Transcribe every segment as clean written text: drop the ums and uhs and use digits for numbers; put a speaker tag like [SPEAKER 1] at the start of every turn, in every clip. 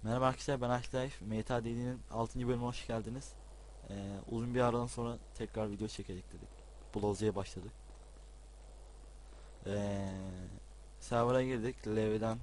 [SPEAKER 1] Merhaba arkadaşlar, ben Half-Life MTAD'nin 6. bölümüne hoş geldiniz. Uzun bir aradan sonra tekrar video çekelim dedik. Bloza'ya başladık. Ee, Server'a girdik. Levy'den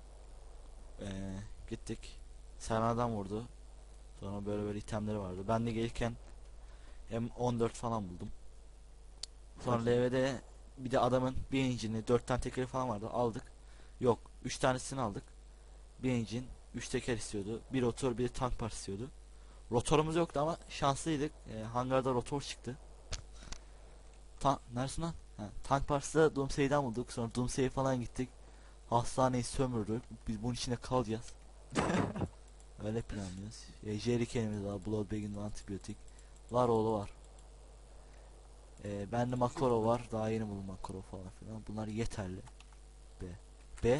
[SPEAKER 1] gittik. Server'dan vurdu. Sonra böyle itemleri vardı. Ben de gelirken M14 falan buldum. Sonra Levy'de bir de adamın bir engine'i 4 tane tekeri falan vardı. Aldık. Yok, 3 tanesini aldık. Bir engine 3 teker istiyordu. Bir rotor bir de tank parçası istiyordu. Rotorumuz yoktu ama şanslıydık. Hangarda rotor çıktı. Neresin lan? Tank parçası da Doomsay'den bulduk. Sonra Doomsay'e falan gittik. Hastaneyi sömürdük. Biz bunun içinde kalacağız. Öyle planlıyoruz. Jerrycan'imiz var. Bloodbag'in antibiyotik. Var oğlu var. Bende Makoro var. Daha yeni buldum Makoro falan filan. Bunlar yeterli. B. B.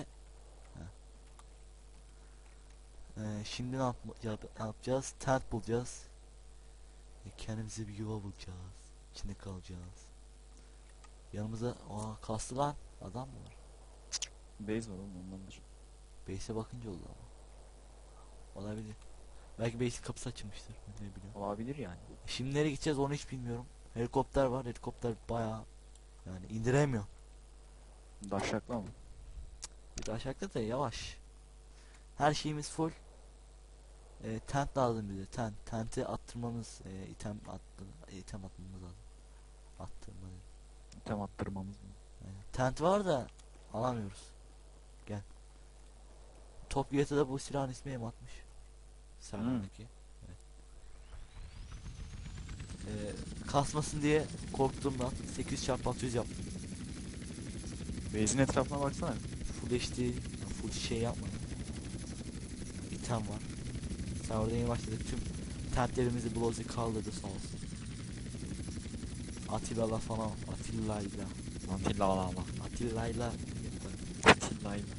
[SPEAKER 1] Şimdi ne yapacağız? Tent bulacağız. Kendimize bir yuva bulacağız. İçinde kalacağız. Yanımıza kastı lan adam mı var?
[SPEAKER 2] Base var oğlum ondandır.
[SPEAKER 1] Base'e bakınca oldu ama. Olabilir. Belki base'in kapısı açılmıştır. Ne bileyim.
[SPEAKER 2] Olabilir yani.
[SPEAKER 1] Şimdi nereye gideceğiz onu hiç bilmiyorum. Helikopter var. Helikopter bayağı yani indiremiyor.
[SPEAKER 2] Daşaklı mı?
[SPEAKER 1] Bir de aşağıda da yavaş. Her şeyimiz full. Tent lazım bize. Tenti attırmamız, item atmamız lazım. Attırmamız.
[SPEAKER 2] Tem attırmamız mı?
[SPEAKER 1] Tent var da alamıyoruz. Gel. Top da bu silahın ismi M60. Serverdeki. Evet. Kasmasın diye korktuğumdan 8x600 yaptım.
[SPEAKER 2] Base'in etrafına baksana.
[SPEAKER 1] Full HD, yani full şey yapmadım. İtem var. Serverda yeni başladık. Tüm tentlerimizi Blozi kaldırdı sağ olsun. Atilla'la falan. Atilla'yla. Atilla'yla.
[SPEAKER 2] Atilla'yla.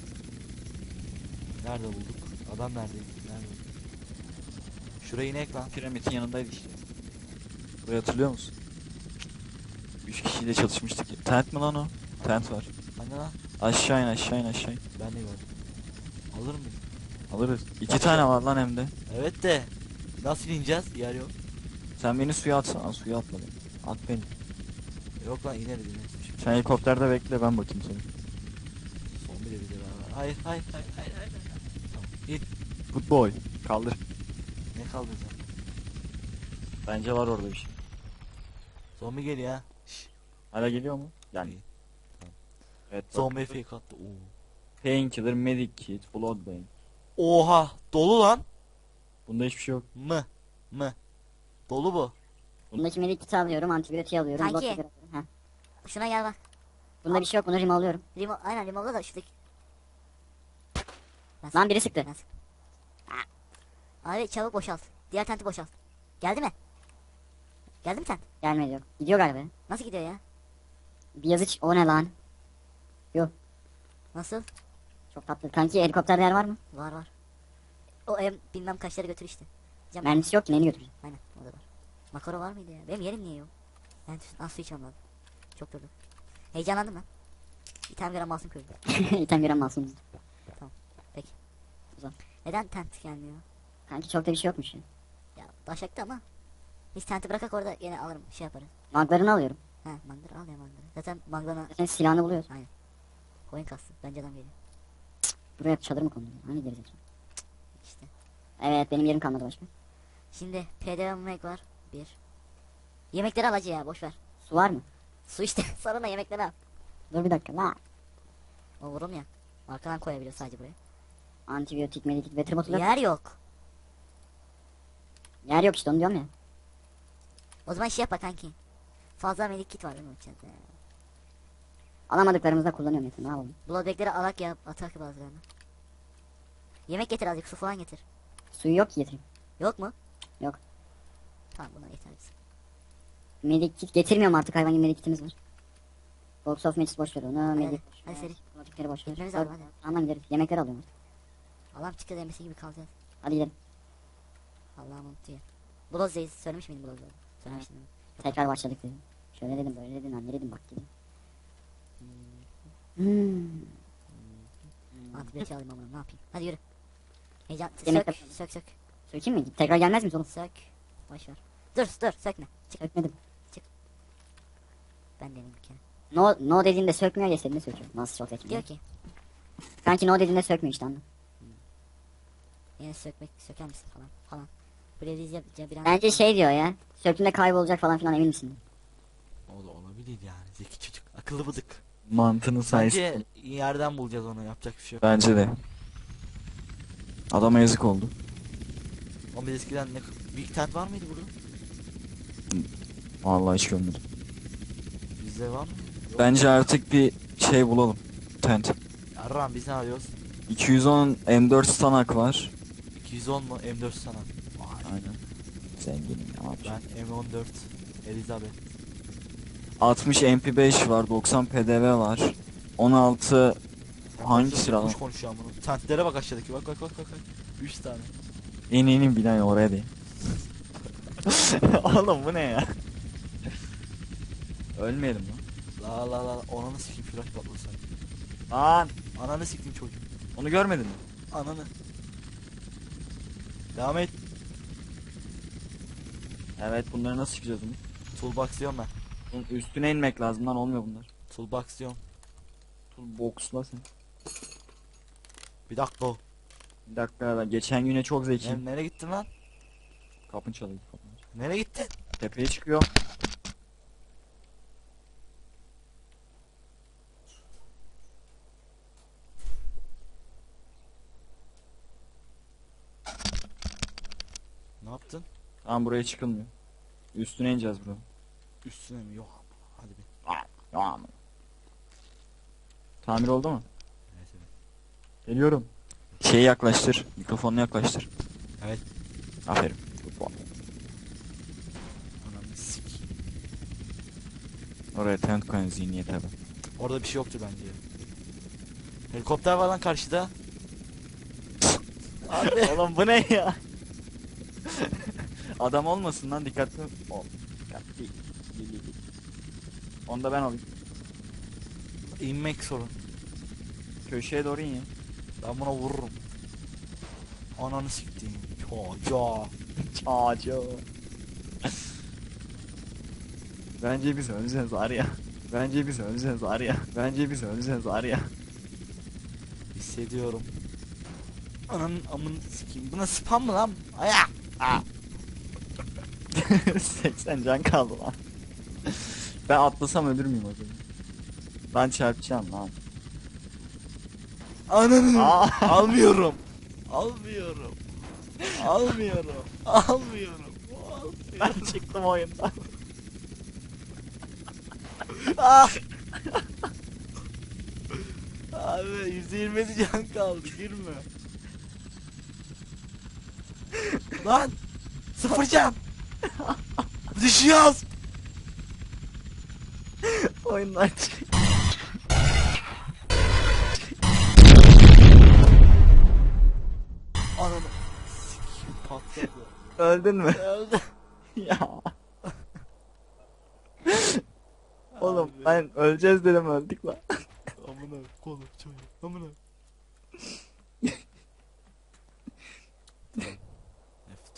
[SPEAKER 1] Nerede bulduk? Adam neredeydi? Nerede bulduk? Şurayı inek lan.
[SPEAKER 2] Piramidin yanındaydı işte. Burayı hatırlıyor musun? 3 kişiyle çalışmıştık. Tent mi lan o? Tent var.
[SPEAKER 1] Hani lan?
[SPEAKER 2] Aşağı in aşağı in aşağı in.
[SPEAKER 1] Ben de gördüm. Alır mıyım?
[SPEAKER 2] Alırız. 2 tane var lan hem de.
[SPEAKER 1] Evet de nasıl ineceğiz? Yer yok.
[SPEAKER 2] Sen beni suya atsana. Suya atma beni. At beni.
[SPEAKER 1] Yok lan ineriz.
[SPEAKER 2] Sen helikopterde bekle ben bakayım seni.
[SPEAKER 1] Son bir de bize beraber. Hayır. Tamam. İn.
[SPEAKER 2] Good boy. Kaldır.
[SPEAKER 1] Ne kaldıracağım?
[SPEAKER 2] Bence var orada bir şey.
[SPEAKER 1] Zombi geliyor ha. Şşş.
[SPEAKER 2] Hala geliyor mu? Yani.
[SPEAKER 1] İyi. Tamam.
[SPEAKER 2] Evet.
[SPEAKER 1] Zombi fake attı.
[SPEAKER 2] Painkiller, Medic Kit, Bloodbane.
[SPEAKER 1] Oha dolu lan.
[SPEAKER 2] Bunda hiçbir şey yok.
[SPEAKER 1] Mı. Dolu bu.
[SPEAKER 3] Bundaki medik kiti alıyorum, antibiyotiği alıyorum.
[SPEAKER 4] Kanki.
[SPEAKER 3] blok şekeri alıyorum. Heh.
[SPEAKER 4] Şuna gel bak.
[SPEAKER 3] Bunda bir şey yok, bunu rim alıyorum.
[SPEAKER 4] Aynen limonla da şuradaki.
[SPEAKER 3] Lan biri sıktı.
[SPEAKER 4] Nasıl? Abi çabuk boşalt. Diğer tenti boşalt. Geldi mi? Geldi mi tent?
[SPEAKER 3] Gelmedi yok. Gidiyor galiba.
[SPEAKER 4] Nasıl gidiyor ya?
[SPEAKER 3] Bir yazı o ne lan?
[SPEAKER 4] Nasıl?
[SPEAKER 3] Çok tatlı. Kanki helikopterde yer var mı?
[SPEAKER 4] Var. O bilmem kaçları götür işte. Cam.
[SPEAKER 3] Mermisi yok ki, neyini götüreceğim?
[SPEAKER 4] Aynen o da var. Makaro var mıydı ya? Benim yerim niye yok? Ben nasıl su içmem lazım. Çok durdum. Heyecanlandım lan. Bir tane gram masum köylü.
[SPEAKER 3] İtem gören masumuz.
[SPEAKER 4] Neden tent gelmiyor?
[SPEAKER 3] Kanki çok da bir şey yokmuş ya.
[SPEAKER 4] Ya taşaktı ama. Biz tenti bırakak orada yine alırım şey yaparız.
[SPEAKER 3] Maglarını alıyorum.
[SPEAKER 4] Ha mandır al ya mandır. Zaten mangana
[SPEAKER 3] Zaten silahını buluyoruz.
[SPEAKER 4] coin kastı. Bence adam geliyor.
[SPEAKER 3] Buraya çadır mı kondu? Hani deriz
[SPEAKER 4] İşte.
[SPEAKER 3] Evet, benim yerim kalmadı başka.
[SPEAKER 4] Şimdi PDV yemek var. Bir. Yemekleri al hacı ya boş ver.
[SPEAKER 3] Su var mı?
[SPEAKER 4] Su işte sonra da yemekleri al.
[SPEAKER 3] Dur bir dakika la.
[SPEAKER 4] O vurum ya. Arkadan koyabiliyor sadece buraya.
[SPEAKER 3] Antibiyotik, medikit, veteribotlu yok.
[SPEAKER 4] Yer yok.
[SPEAKER 3] Yer yok işte, onu diyorum ya.
[SPEAKER 4] O zaman şey yap kanki. Fazla medik kit var değil mi içeride?
[SPEAKER 3] Alamadıklarımızda kullanıyorum yeter, ne yapalım.
[SPEAKER 4] Bloodback'leri alak ya atak bazılarını. Yemek getir azıcık su falan getir.
[SPEAKER 3] Suyu yok ki getireyim.
[SPEAKER 4] Yok mu?
[SPEAKER 3] Yok.
[SPEAKER 4] Tamam buna yeter bize.
[SPEAKER 3] Medikit getirmiyorum artık, hayvan gibi medikitimiz var. Box of Matches boş ver onu. Medik boş
[SPEAKER 4] hadi
[SPEAKER 3] ver.
[SPEAKER 4] seri.
[SPEAKER 3] Kromatikleri boş ver.
[SPEAKER 4] Gitmemiz lazım hadi.
[SPEAKER 3] Tamam gideriz. Yemekleri alıyorum.
[SPEAKER 4] Allah'ım çıkacağız emrisi gibi kalacağız.
[SPEAKER 3] Hadi gidelim.
[SPEAKER 4] Allah'ım unutuyor. Blood'dayız. Söylemiş miydim Blood'da? Söylemiştim. değil mi?
[SPEAKER 3] Tekrar başladık dedim. Şöyle dedim, böyle dedim, anne dedim, bak dedim.
[SPEAKER 4] Antibiyotik alayım amına ne yapayım. Hadi yürü. Heyecan
[SPEAKER 3] Yemek
[SPEAKER 4] sök
[SPEAKER 3] yapalım.
[SPEAKER 4] sök sök
[SPEAKER 3] Sökeyim mi? Tekrar gelmez miyiz oğlum?
[SPEAKER 4] sök. Boş ver. Dur sökme. Çık
[SPEAKER 3] Sökmedim.
[SPEAKER 4] ben deneyim bir kere.
[SPEAKER 3] No dediğinde sökmüyor ya istediğinde söküyor. Nasıl çok zeki.
[SPEAKER 4] Diyor ki
[SPEAKER 3] Kanki no dediğinde sökmüyor işte anladın.
[SPEAKER 4] yine söker misin falan. Breviz yapınca bir an.
[SPEAKER 3] Bence şey diyor ya. Söktüğünde kaybolacak falan filan emin misin?
[SPEAKER 1] O da olabilir yani. Zeki çocuk. Akıllı bıdık.
[SPEAKER 2] Mantığını sayesinde.
[SPEAKER 1] Bence yerden bulacağız onu. Yapacak bir şey yok.
[SPEAKER 2] Bence de. Adama yazık oldu.
[SPEAKER 1] Ama biz eskiden ne... Big tent var mıydı burada?
[SPEAKER 2] Vallahi hiç görmedim.
[SPEAKER 1] Bizde var mı? Yok.
[SPEAKER 2] Bence artık bir şey bulalım. Tent.
[SPEAKER 1] Yarram biz ne arıyoruz?
[SPEAKER 2] 210 M4 stanak var.
[SPEAKER 1] 210 mu? M4 sana. Vay.
[SPEAKER 2] Aynen. Zenginim ya abi.
[SPEAKER 1] Ben M14 Elizabeth.
[SPEAKER 2] 60 MP5 var, 90 PDV var. 16 hangi silah lan?
[SPEAKER 1] Kuş konuşuyor bunu. Tentlere bak aşağıdaki. Bak. 3 tane.
[SPEAKER 2] İnin binen oraya değil. Oğlum bu ne ya? Ölmeyelim lan.
[SPEAKER 1] La. Ananı sikeyim flash patlasın.
[SPEAKER 2] Lan
[SPEAKER 1] Ananı sikeyim çocuk.
[SPEAKER 2] onu görmedin mi?
[SPEAKER 1] Ananı. Devam et.
[SPEAKER 2] Evet bunları nasıl çıkacağız bunu?
[SPEAKER 1] Toolbox diyorum ben.
[SPEAKER 2] Bunun üstüne inmek lazım lan olmuyor bunlar.
[SPEAKER 1] Toolbox diyorum.
[SPEAKER 2] Boxla sen.
[SPEAKER 1] Bir dakika.
[SPEAKER 2] Bir dakika ben geçen güne çok zekiyim.
[SPEAKER 1] Nereye gittin lan?
[SPEAKER 2] Kapın çalıyor. Kapın.
[SPEAKER 1] Nereye gittin?
[SPEAKER 2] Tepeye çıkıyor.
[SPEAKER 1] Ne yaptın?
[SPEAKER 2] Tamam buraya çıkılmıyor. Üstüne ineceğiz bro.
[SPEAKER 1] Üstüne mi? Yok. Hadi bir.
[SPEAKER 2] Tamam. Tamir oldu mu?
[SPEAKER 1] Evet.
[SPEAKER 2] Geliyorum. Şeyi yaklaştır. Mikrofonunu yaklaştır.
[SPEAKER 1] Evet.
[SPEAKER 2] Aferin.
[SPEAKER 1] Ananı sikeyim.
[SPEAKER 2] Oraya tent koyun zihniyete bak.
[SPEAKER 1] Orada bir şey yoktur bence. Helikopter var lan karşıda. Abi.
[SPEAKER 2] Oğlum bu ne ya? Adam olmasın lan dikkatli ol. Dikkatli. Gel. Onu da ben alayım.
[SPEAKER 1] İnmek sorun.
[SPEAKER 2] Köşeye doğru in ya.
[SPEAKER 1] Ben buna vururum. Ananı siktiğim. Çocuğa.
[SPEAKER 2] Çağcı. Bence biz öleceğiz var ya. Bence biz öleceğiz var ya. Bence biz öleceğiz var ya.
[SPEAKER 1] Hissediyorum. Ananın amını sikeyim. Buna spam mı lan? Aya.
[SPEAKER 2] 80 can kaldı lan. Ben atlasam ölür müyüm o zaman? Ben çarpacağım lan.
[SPEAKER 1] Ananı.
[SPEAKER 2] Aa.
[SPEAKER 1] Almıyorum. Almıyorum. Almıyorum. Almıyorum.
[SPEAKER 2] Ben çıktım oyundan.
[SPEAKER 1] Ah! Abi %20 can kaldı girme. Lan 0 can. Düşüyoruz.
[SPEAKER 2] Oyundan çık.
[SPEAKER 1] Ananı sikeyim patladı.
[SPEAKER 2] Öldün mü?
[SPEAKER 1] Öldü.
[SPEAKER 2] Ya. Oğlum ben öleceğiz dedim öldük lan.
[SPEAKER 1] Amına kolum çocuğum. Amına.